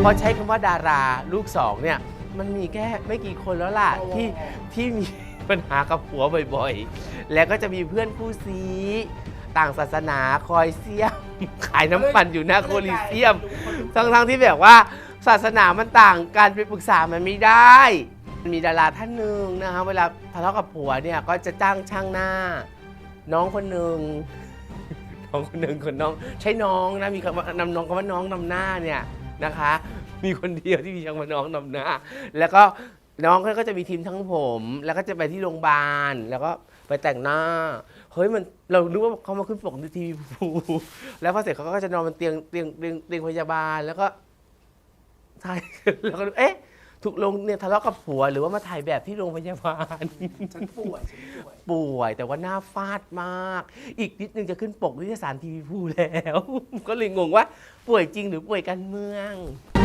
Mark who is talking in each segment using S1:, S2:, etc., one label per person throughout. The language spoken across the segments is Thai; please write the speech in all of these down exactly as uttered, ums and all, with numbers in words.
S1: เพราะใช้คำว่าดาราลูกสองเนี่ยมันมีแค่ไม่กี่คนแล้วล่ะที่ที่มีปัญหากับผัวบ่อยๆแล้วก็จะมีเพื่อนคู่ซีต่างศาสนาคอยเสี้ยมขายน้ำปั่นอยู่หน้าโคลิเซียมทั้งๆที่แบบว่าศาสนามันต่างกันไปปรึกษามันไม่ได้มีดาราท่านหนึ่งนะคะเวลาทะเลาะกับผัวเนี่ยก็จะจ้างช่างหน้าน้องคนหนึ่งน้องคนหนึ่งคนน้องใช้น้องนะมีคำว่านำน้องคำว่าน้องนำหน้าเนี่ยนะคะมีคนเดียวที่มีช่างมาน้องนำหน้าแล้วก็น้องก็จะมีทีมทั้งผมแล้วก็จะไปที่โรงพยาบาลแล้วก็ไปแต่งหน้าเฮ้ยมันเรารู้ว่าเขามาขึ้นปกในทีวีภูแล้วพอเสร็จเขาก็จะนอนบนเตียงเตียงเตียงเตียงพยาบาลแล้วก็ใช่แล้วก็เอ๊ะถูกลงเนี่ยทะเลาะกับผัวหรือว่ามาถ่ายแบบที่โรงพยาบาล
S2: ฉันป่วยฉันป่วย
S1: ป่วยแต่ว่าหน้าฟาดมากอีกนิดนึงจะขึ้นปกนิตยสารทีวีภูแล้วก็เลยงงว่าป่วยจริงหรือป่วยการเมือง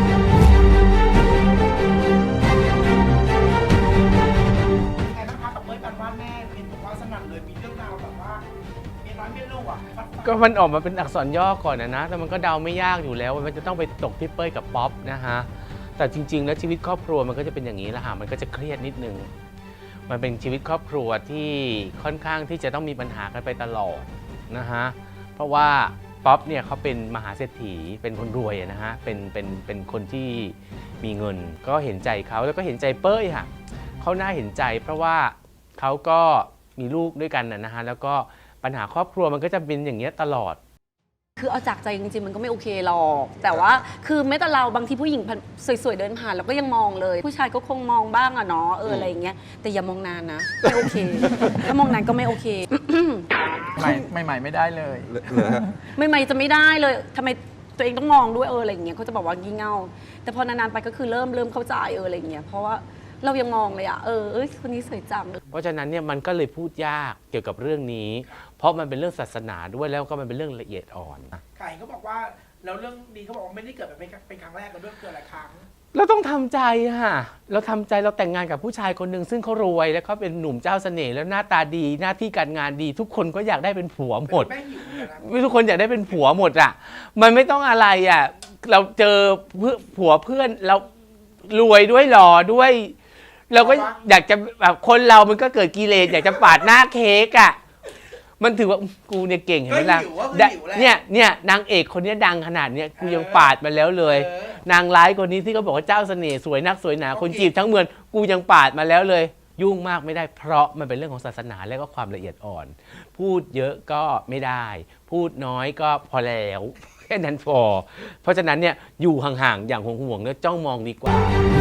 S2: ไงบ้างคะกับเมื่อกันว่าแม่เป็นบอกว่าสนั่นเลยมีเรื่องราวแบบว่าเมียน้อยเมียลูกอ่ะ
S1: ก็มันออกมาเป็นอักษรย่อก่อนนะนะแต่มันก็เดาไม่ยากอยู่แล้วมันจะต้องไปตกที่เป้ยกับป๊อปนะฮะแต่จริงๆแล้วชีวิตครอบครัวมันก็จะเป็นอย่างนี้แหละฮะมันก็จะเครียดนิดนึงมันเป็นชีวิตครอบครัวที่ค่อนข้างที่จะต้องมีปัญหากันไปตลอดนะฮะเพราะว่าป๊อปเนี่ยเขาเป็นมหาเศรษฐีเป็นคนรวยนะฮะเป็นเป็นเป็นคนที่มีเงินก็เห็นใจเขาแล้วก็เห็นใจเป้ยค่ะเขาน่าเห็นใจเพราะว่าเขาก็มีลูกด้วยกันนะฮะแล้วก็ปัญหาครอบครัวมันก็จะเป็นอย่างเงี้ยตลอด
S3: คือเอาจากใจจริงๆมันก็ไม่โอเคหรอกแต่ว่าคือแม้แต่เราบางทีผู้หญิงสวยๆเดินผ่านเราก็ยังมองเลยผู้ชายก็คงมองบ้างอะเนาะเอออะไรอย่างเงี้ยแต่อย่ามองนานนะไม่โอเคถ้ามองนานก็ไม่โอเค
S4: ใหม่ใหม่ไม่ได้เลย
S3: ไม่ใหม่จะไม่ได้เลยทำไมตัวเองต้องมองด้วยเอออะไรอย่างเงี้ยเขาจะบอกว่างี่เง่าแต่พอนานๆไปก็คือเริ่มเริ่มเข้าใจเอออะไรอย่างเงี้ยเพราะว่าเรายังมองเลยอะเออเอ้ยคนนี้สวยจัง
S1: เพราะฉะนั้นเนี่ยมันก็เลยพูดยากเกี่ยวกับเรื่องนี้เพราะมันเป็นเรื่องศาสนาด้วยแล้วก็มันเป็นเรื่องละเอียดอ่อน
S2: ไก่เขาบอกว่าแล้วเรื่องนี้เขาบอกว่าไม่ได้เกิดแบบเป็นครั้งแรกกันด้วยเกิดหลายครั้ง
S1: เราต้องทำใจค่ะเราทำใจเราแต่งงานกับผู้ชายคนหนึ่งซึ่งเขารวยแล้วเขาเป็นหนุ่มเจ้าเสน่ห์แล้วหน้าตาดีหน้าที่การงานดีทุกคนก็อยากได้เป็นผัวหมดทุกคนอยากได้เป็นผัวหมดอ่ะมันไม่ต้องอะไรอ่ะเราเจอผัวเพื่อนเรารวยด้วยหล่อด้วยเราก็อยากจะแบบคนเรามันก็เกิดกิเลสอยากจะปาดหน้าเค้กอ่ะมันถือว่ากูเนี่ยเก่งเห็นไหมล่ะเนี่ยเนี่ยนางเอกคนนี้ดังขนาดเนี้ยกูยังปาดมาแล้วเลยนางร้ายคนนี้ที่เขาบอกว่าเจ้าเสน่ห์สวยนักสวยหนาคนจีบทั้งเมืองกูยังปาดมาแล้วเลยยุ่งมากไม่ได้เพราะมันเป็นเรื่องของศาสนาและก็ความละเอียดอ่อนพูดเยอะก็ไม่ได้พูดน้อยก็พอแล้วแค่นั้นพอเพราะฉะนั้นเนี่ยอยู่ห่างๆอย่างห่วงๆแล้วจ้องมองดีกว่า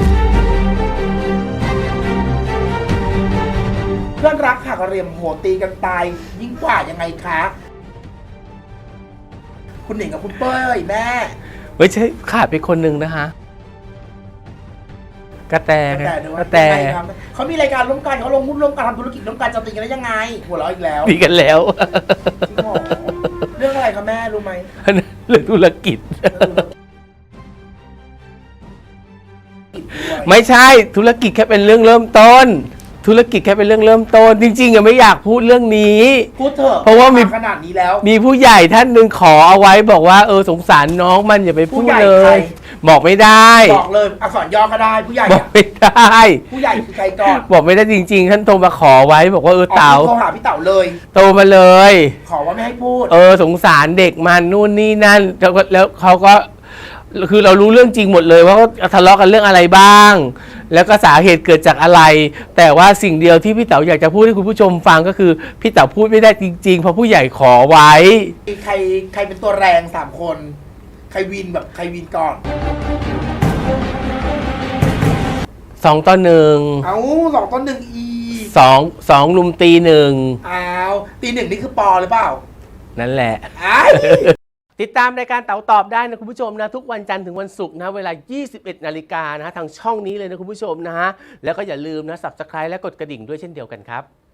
S2: เพื่อนรักหักเหลี่ยมโหดตีกันตายยิ่งกว่ายังไงคะคุณหนิงกับคุณเป้ยแม่
S1: ไม่ใช่ขาดไปคนหนึ่งนะคะกระแตกระแต
S2: เขามีรายการร่วมกันเขาลงหุ้นร่วมกันทำธุรกิจร่วมกันจะตีกันได้ยังไงหัวเราะอีกแล้ว
S1: ตีกันแล้ว
S2: เรื่องอะไรคะแม่รู้ไหม
S1: เรื่องธุรกิจไม่ใช่ธุรกิจแค่เป็นเรื่องเริ่มต้นธุรกิจแค่เป็นเรื่องเริ่มต้นจริงๆอะไม่อยากพูดเรื่องนี้
S2: พูดเถอะ
S1: เพราะว่ามี
S2: ขนาดนี้แล้ว
S1: มีผู้ใหญ่ท่านหนึ่งขอเอาไว้บอกว่าเออสงสารน้องมันอย่าไปพูดเลยบอกไม่ได้
S2: บอกเลยอักษรย่อก็ได้ผู้ใหญ่
S1: บอกไม่ได้
S2: ผู้ใหญ่คือใครก่อน
S1: บอกไม่ได้จริงๆท่านโทรมาขอไว้บอกว่าเออเต๋า
S2: โทรหาพี่เต๋าเลย
S1: โทรมาเลย
S2: ขอว่าไม่ให้พูด
S1: เออสงสารเด็กมันนู่นนี่นั่นแล้วแล้วเขาก็คือเรารู้เรื่องจริงหมดเลยว่าเขาทะเลาะกันเรื่องอะไรบ้างแล้วก็สาเหตุเกิดจากอะไรแต่ว่าสิ่งเดียวที่พี่เต๋าอยากจะพูดให้คุณผู้ชมฟังก็คือพี่เต๋าพูดไม่ได้จริงๆเพราะผู้ใหญ่ขอไว้
S2: ใครใครเป็นตัวแรงสามคนใครวินแบบใครวินก่อน
S1: สองต่อหนึ่ง
S2: เอาสองต่อหนึ่งอี
S1: สองสองลุมตีหนึ่ง
S2: อ้าวตีหนึ่งนี่คือปอหรือเปล่า
S1: นั่นแหละติดตามรายการเต๋าตอบได้นะคุณผู้ชมนะทุกวันจันทร์ถึงวันศุกร์นะเวลา ยี่สิบเอ็ด นาฬิกานะทางช่องนี้เลยนะคุณผู้ชมนะฮะแล้วก็อย่าลืมนะ ซับสไครบ์ และกดกระดิ่งด้วยเช่นเดียวกันครับ